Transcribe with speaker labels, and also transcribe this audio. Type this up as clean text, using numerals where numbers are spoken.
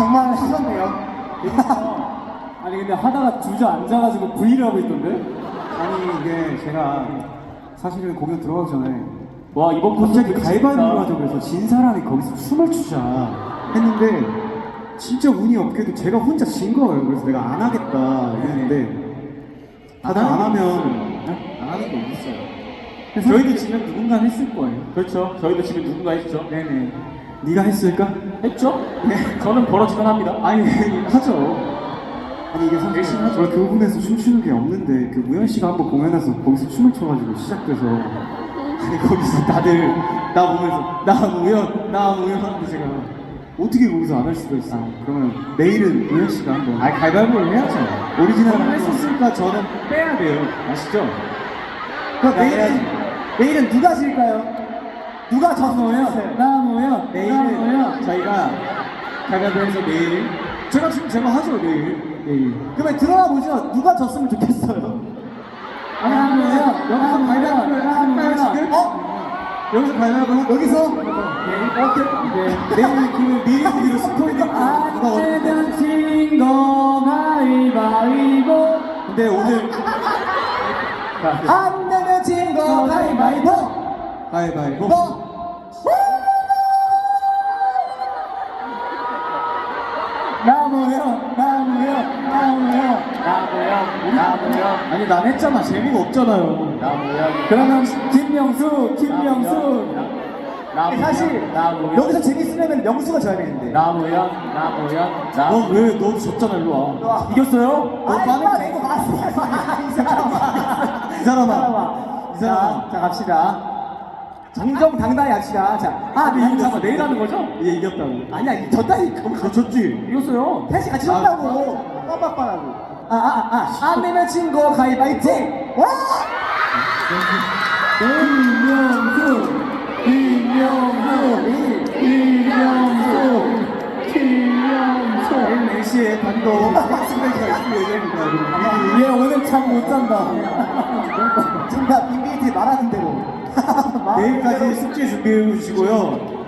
Speaker 1: 정말 하셨네요.
Speaker 2: 아니 근데 하다가 주저앉아가지고 V를 하고 있던데?
Speaker 3: 아니 이게 제가 사실은 공연 들어가기 전에
Speaker 2: 와 이번
Speaker 3: 갑자기
Speaker 2: 콘서트
Speaker 3: 가위바위보를 하자 그래서 진 사람이 거기서 춤을 추자 했는데 진짜 운이 없게도 제가 혼자 진 거예요. 그래서 내가 안 하겠다 이랬는데 다들 안 하면 안 하는 게 어딨어요. 저희도 지면 누군가 했을 거예요.
Speaker 2: 그렇죠. 저희도 지금 누군가 했죠.
Speaker 3: 네네. 네가 했을까?
Speaker 2: 했죠? 네. 저는 벌어지긴 합니다.
Speaker 3: 아니 하죠. 아니 이게 사실 저 그 부분에서 춤추는 게 없는데 그 우현 씨가 한번 공연해서 거기서 춤을 춰가지고 시작돼서 아니 거기서 다들 나 보면서 나 우현 하는데 제가 어떻게 거기서 안 할 수가 있어? 그러면 내일은 우현 씨가 한번 아니 가위바위보를 해야죠. 오리지널을 했었으니까 저는 빼야 돼요. 아시죠?
Speaker 1: 그럼 내일은 누가 질까요? 누가 졌어요?
Speaker 3: 나무요. 내일은 저희가 가위바위보해서 내일 제가 하죠 내일.
Speaker 1: 그러면 들어가 보죠. 누가 졌으면 좋겠어요.
Speaker 3: 여기서 가위바위보를 할까요 지금? 여기서 가위바위보 하고
Speaker 1: 여기서
Speaker 3: 내일 그 미리 스포일링
Speaker 2: 안 내면 진거 가위바위보.
Speaker 3: 근데 오늘
Speaker 1: 안 내면 진거 가위바위보.
Speaker 3: 가위바위보
Speaker 2: 나무요.
Speaker 3: 아니 난 했잖아. 재미가 없잖아요.
Speaker 2: 나무요.
Speaker 1: 그러면 김명수. 사실
Speaker 2: 나무요.
Speaker 1: 여기서 재밌으려면 명수가 져야 되는데.
Speaker 2: 나무요.
Speaker 3: 왜 너도 졌잖아. 일로 와.
Speaker 2: 이겼어요?
Speaker 1: 아,
Speaker 3: 빠르네.
Speaker 1: 이거 맞습니다. 이 사람아. 자, 갑시다. 정정당당히 합시다. 자,
Speaker 2: 잠깐 내일 하는 거죠?
Speaker 3: 얘 이겼다고.
Speaker 1: 아니야, 졌다니까.
Speaker 3: 너 졌지?
Speaker 2: 이겼어요.
Speaker 1: 셋이 같이 졌다고. 빡빡빡하고. 안 내면 진거 가위바위보. 와!
Speaker 3: 내일 4시에 단독 엑스프레스가 있을 예정입니다.
Speaker 1: 얘 오늘 잠 못 잔다. 정답 빅비트 말하는 대로.
Speaker 3: 내일까지 숙제 준비해 주시고요.